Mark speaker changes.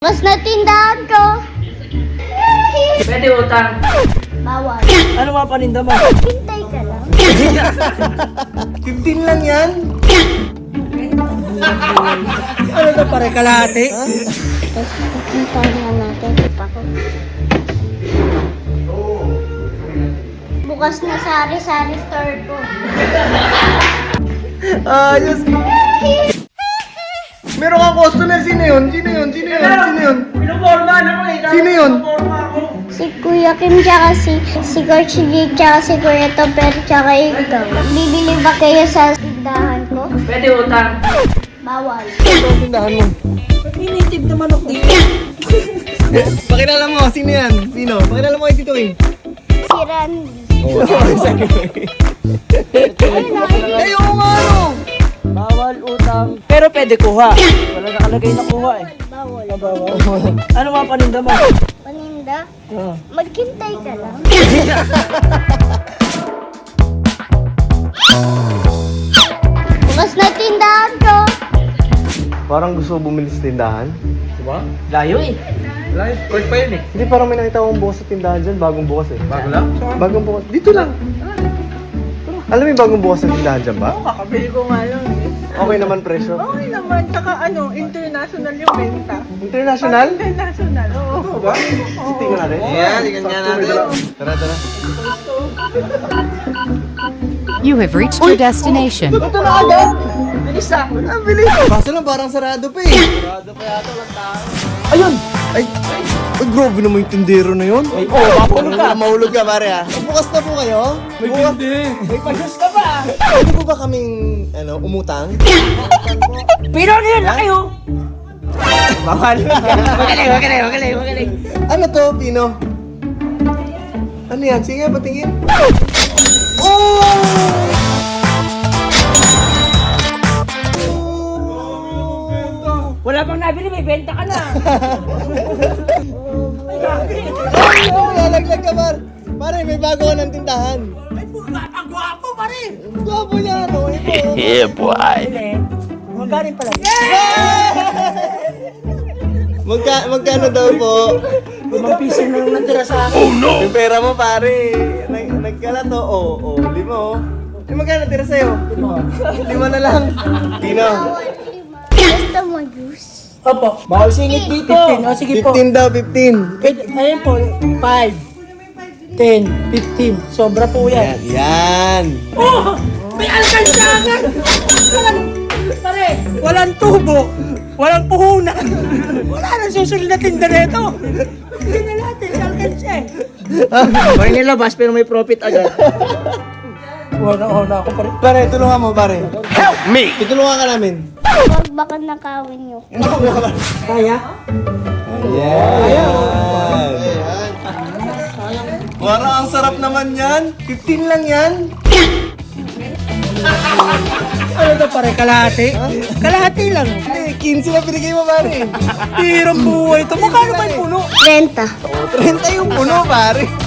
Speaker 1: Mas na tindahan ko.
Speaker 2: Pwede utang.
Speaker 1: Bawal.
Speaker 3: Ano mga paninda mo?
Speaker 1: Hintay ka lang.
Speaker 4: 15 lang yan.
Speaker 3: Ano to pare, kalahati?
Speaker 1: Tapos hintayin nga natin. Pa ko. Bukas na sari-sari store ko.
Speaker 4: Ayos. Meron kang customer. Sino yun? Sino yun? Sino yun? Sino yun?
Speaker 2: Pinupormahan ako eh.
Speaker 4: Sino yun?
Speaker 2: Pinuporma ako.
Speaker 1: Si Kuya Kim, tsaka si Coach G, tsaka si Kuya Topper, tsaka ikaw. Bibili ba kayo sa tindahan ko?
Speaker 2: Pwede utang.
Speaker 1: Bawal.
Speaker 4: Ito ang tindahan mo.
Speaker 3: Native na manok dito.
Speaker 4: Pakilala mo. Sino yan? Sino? Pakilala mo kay Tito King.
Speaker 1: Si Randy.
Speaker 4: Oo. Ay, oo nga ano.
Speaker 3: Bawal utang. Pero pwede kuha. Wala nakalagay na kuha eh.
Speaker 1: Bawal.
Speaker 3: Bawal. Ano mga paninda mo?
Speaker 1: Paninda?
Speaker 3: Oh.
Speaker 1: Maghintay ka lang. Bukas na tindahan ko.
Speaker 4: Parang gusto mo bumili sa tindahan.
Speaker 2: Diba? Layo eh. Layo. Court pa yun eh.
Speaker 4: Hindi, parang may nakita akong bukas sa tindahan dyan. Bagong bukas eh.
Speaker 2: Bago lang?
Speaker 4: Bagong bukas. Dito lang. Alam mo yung bagong bukas sa tindahan dyan ba?
Speaker 5: Kakabili ko nga lang eh.
Speaker 4: Okay naman presyo.
Speaker 5: Okay naman, tsaka ano, international yung benta.
Speaker 4: International?
Speaker 5: International, oo.
Speaker 4: Ito ba? Tingnan natin.
Speaker 6: Ayan, tingnan nga natin.
Speaker 4: Tara, tara.
Speaker 7: You have reached your destination.
Speaker 4: Ito na agad! Bilis ah! Ang bilis! Kaso lang parang sarado pa eh. Sarado pa yata, walang tao. Ayun! Ay, grabe naman yung tindero na yun. Ay,
Speaker 3: Mahulog ka.
Speaker 4: Mahulog ka pare ah. Bukas na po kayo? May tindi.
Speaker 3: May pajus ka ba?
Speaker 4: Pwede po ba kaming, umutang?
Speaker 3: Pero ano yun? Laki oh.
Speaker 4: Bawal.
Speaker 3: Magaling.
Speaker 4: Ano to, Pino? Ano yan? Sige, patingin. Oh!
Speaker 3: Wala pang nabili, may benta ka na.
Speaker 4: Oh, lalaglag ka, par. Pare, may bago ka ng tindahan.
Speaker 3: Ay, ang gwapo pa rin.
Speaker 4: Gwapo yan, oh. Ito.
Speaker 6: Yeah, boy.
Speaker 3: Magaling pala.
Speaker 4: Magkano daw po?
Speaker 3: 5 piso na lang natira sa akin.
Speaker 4: Yung pera mo, pare. Nagkala to. Oh, 5. Yung magkano tira sa'yo? 5 na lang. Pino.
Speaker 1: Gusto mo juice?
Speaker 3: Opo, bawal singit dito. 15, o sige po.
Speaker 4: 15 daw, 15.
Speaker 3: Pwede, ayun po, 5, 10, 15. Sobra po yan.
Speaker 4: Yan.
Speaker 3: Oh! May alkansyagan! Pare, walang tubo, walang puhunan. Wala nang susunod na tinda nito. Hindi na natin, alkansya eh.
Speaker 2: Pwede nilabas pero may profit agad.
Speaker 3: Una ako pare.
Speaker 4: Pare, tulungan mo, pare. Help me! Tutulungan ka namin.
Speaker 1: Huwag baka nakawin niyo.
Speaker 3: Kaya?
Speaker 4: Yan. Parang ang sarap naman yan. 15 lang yan.
Speaker 3: Ano to pare, kalahati? Kalahati lang.
Speaker 4: Hindi, 15 na binigay mo, pare.
Speaker 3: Hirang buhay ito. Magkano ba yung puno?
Speaker 1: Renta.
Speaker 4: 30 yung puno, pare.